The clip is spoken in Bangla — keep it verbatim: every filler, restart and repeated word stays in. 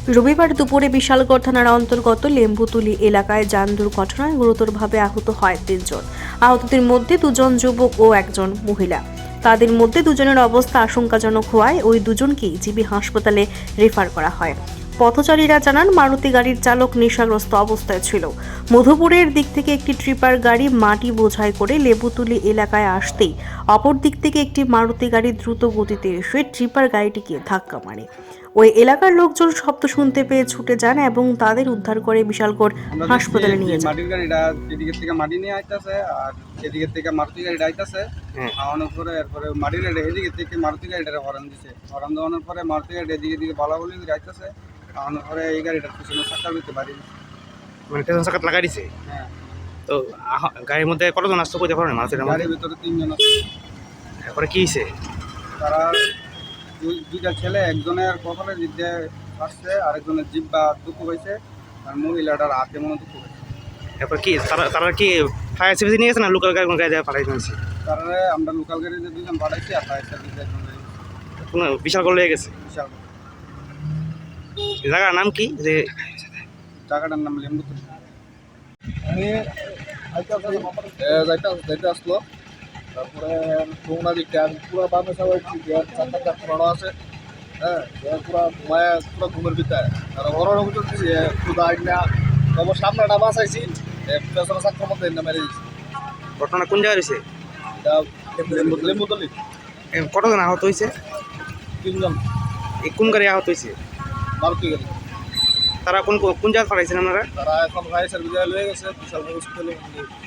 রবিবার দুপুরে বিশালগড় থানার অন্তর্গত লেম্বুতুলি এলাকায় যান দুর্ঘটনায় গুরুতরভাবে আহত হয় তিনজন। আহতদের মধ্যে দুজন যুবক ও একজন মহিলা। তাদের মধ্যে দুজনের অবস্থা আশঙ্কাজনক হওয়ায় ওই দুজনকেই জিবি হাসপাতালে রেফার করা হয়। পথচারীরা জানান, মারুতি গাড়ির চালক নেশাগ্রস্ত অবস্থায় ছিল। মধুপুরের দিক থেকে একটি ট্রিপার গাড়ি মাটি বোঝাই করে লেবুতুলি এলাকায় আসতেই অপর দিক থেকে একটি মারুতি গাড়ি দ্রুত গতিতে এসে ট্রিপার গাড়িটিকে ধাক্কা মারে। ওই এলাকার লোকজন শব্দ শুনতে পেয়ে ছুটে যান এবং তাদের উদ্ধার করে বিশালগড় হাসপাতালে নিয়ে যান। মাটির গাড়িটা এদিকে থেকে মাটি নিয়ে আইতাছে আর এদিকে থেকে মারুতি গাড়িটা আইতাছে। আওয়ানোর পরে এরপরে মাটির গাড়ি এদিকে থেকে মারুতি গাড়িটা হরান দিছে। হরান দেওয়ানোর পরে মারুতি গাড়ি এদিকে দিকে বলাবলি করে আইতাছে। আওয়ানোর পরে এই গাড়িটার পিছনে চাকা দিতে পারি, মানে পেছন চাকাত লাগাই দিছে। হ্যাঁ, তো আহ- গাড়ির মধ্যে কতজন আসতো কইতে পারো না মানুষের মধ্যে? গাড়ির ভিতরে তিনজন আছে। তারপরে কি হয়েছে? তারা দুই- দুইটা ছেলে, একজনের কপালে জিভে আসছে, আরেকজনের জিব্বা দুঃখ হয়েছে, আর মহিলাটার হাতে মনে দুঃখ হয়েছে। তারপর কি তারা তারা কি ফায়ার সার্ভিস নিয়ে গেছে না লোকাল গাড়ি কোনো গাড়ি পাঠাই দিয়েছে? তারা আমরা লোকাল গাড়িতে দুজন পাঠাইছি আর ফায়ার সার্ভিসে একজন পাঠাইছি। কোনো বিশাল করে লেগে গেছে। বিশাল এই জায়গার নাম কি? যে জায়গাটার নাম লেম্বুতুলি। আমি যাইতে যাইতে আসলো, তারপরে তোমরা দিকটা পুরো বামে সবাই চারটা চার পুরানো আছে। হ্যাঁ, পুরো মায়া পুরো ঘুমের ভিতরে আর ওরাও করতেছি খুদা আইনা তবে সামনেটা বাঁচাইছি, পেছনে চাকরির মধ্যে এনে মেরে দিচ্ছি। ঘটনা কোন জায়গায় হয়েছে? লেম্বুতলি এ, কতজন আহত হয়েছে? তিনজন এই কোন গাড়ি আহত হয়েছে? মারুতি গেল। তারা কোন কোন জায়গায় পাঠাইছেন আপনারা? তারা এখন ফায়ার সার্ভিসে লয়ে গেছে বিশাল হসপিটালে।